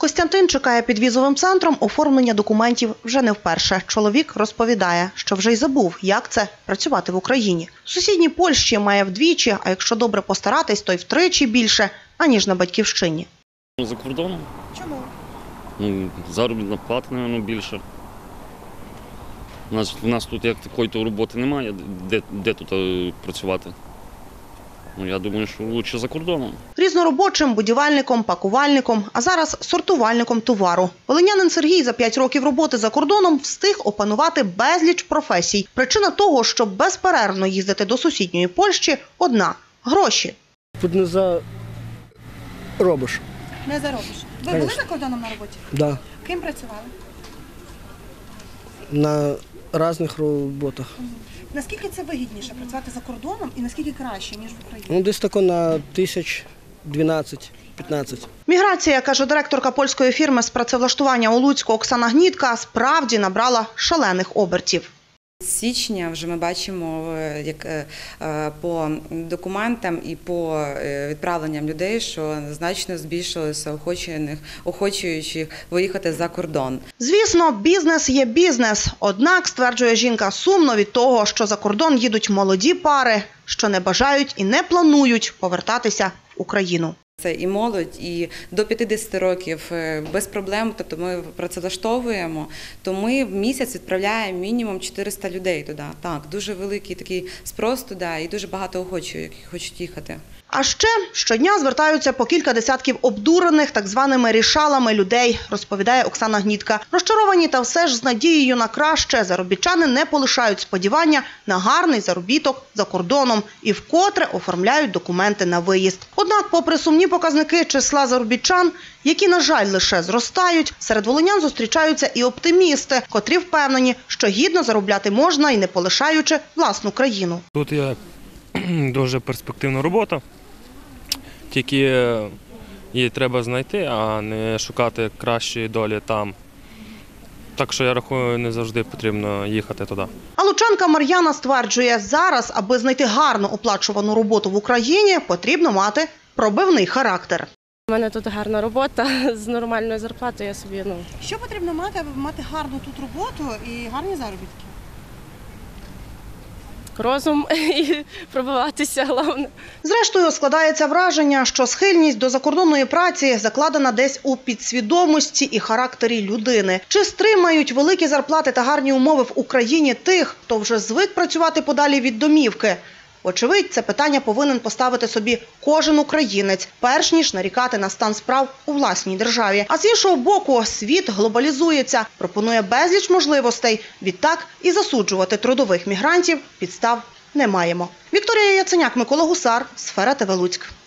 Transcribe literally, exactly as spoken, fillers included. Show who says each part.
Speaker 1: Костянтин чекає під візовим центром оформлення документів вже не вперше. Чоловік розповідає, що вже й забув, як це – працювати в Україні. В сусідній Польщі має вдвічі, а якщо добре постаратись, то й втричі більше, аніж на батьківщині.
Speaker 2: За кордоном.
Speaker 1: Чому?
Speaker 2: Ну, заробітна плата, мабуть, більше. У нас, у нас тут як такої роботи немає, де, де тут працювати. Ну, я думаю, що краще за кордоном.
Speaker 1: Різноробочим, будівельником, пакувальником, а зараз сортувальником товару. Волинянин Сергій за п'ять років роботи за кордоном встиг опанувати безліч професій. Причина того, щоб безперервно їздити до сусідньої Польщі – одна – гроші.
Speaker 3: Тут не заробиш.
Speaker 4: Не заробиш. Ви були за кордоном на роботі?
Speaker 3: Так. Да.
Speaker 4: Ким працювали?
Speaker 3: На різних роботах.
Speaker 4: Наскільки це вигідніше працювати за кордоном і наскільки краще, ніж в Україні?
Speaker 3: Ну, десь тако на тисяч дванадцять-п'ятнадцять.
Speaker 1: Міграція, каже директорка польської фірми з працевлаштування у Луцьку Оксана Гнітка, справді набрала шалених обертів.
Speaker 5: З січня вже ми бачимо, як по документам і по відправленням людей, що значно збільшилося охочих, охочуючих виїхати за кордон.
Speaker 1: Звісно, бізнес є бізнес. Однак, стверджує жінка, сумно від того, що за кордон їдуть молоді пари, що не бажають і не планують повертатися в Україну.
Speaker 5: Це і молодь, і до п'ятдесят років без проблем, тобто ми працевлаштовуємо, то ми в місяць відправляємо мінімум чотириста людей туди. Так, дуже великий такий спрос туди і дуже багато охочих, які хочуть їхати.
Speaker 1: А ще щодня звертаються по кілька десятків обдурених так званими рішалами людей, розповідає Оксана Гнітка. Розчаровані та все ж з надією на краще заробітчани не полишають сподівання на гарний заробіток за кордоном і вкотре оформляють документи на виїзд. Однак, попри сумні показники числа заробітчан, які, на жаль, лише зростають, серед волинян зустрічаються і оптимісти, котрі впевнені, що гідно заробляти можна і не полишаючи власну країну.
Speaker 6: Тут є дуже перспективна робота, тільки її треба знайти, а не шукати кращої долі там. Так що, я рахую, не завжди потрібно їхати туди.
Speaker 1: А лучанка Мар'яна стверджує, зараз, аби знайти гарно оплачувану роботу в Україні, потрібно мати пробивний характер.
Speaker 7: У мене тут гарна робота з нормальною зарплатою. Я собі, ну...
Speaker 4: Що потрібно мати, аби мати гарну тут роботу і гарні заробітки?
Speaker 7: Розум і пробиватися, головне.
Speaker 1: Зрештою, складається враження, що схильність до закордонної праці закладена десь у підсвідомості і характері людини. Чи стримають великі зарплати та гарні умови в Україні тих, хто вже звик працювати подалі від домівки? Очевидь, це питання повинен поставити собі кожен українець, перш ніж нарікати на стан справ у власній державі. А з іншого боку, світ глобалізується, пропонує безліч можливостей. Відтак і засуджувати трудових мігрантів підстав не маємо. Вікторія Яценяк, Микола Гусар, Сфера ТВ Луцьк.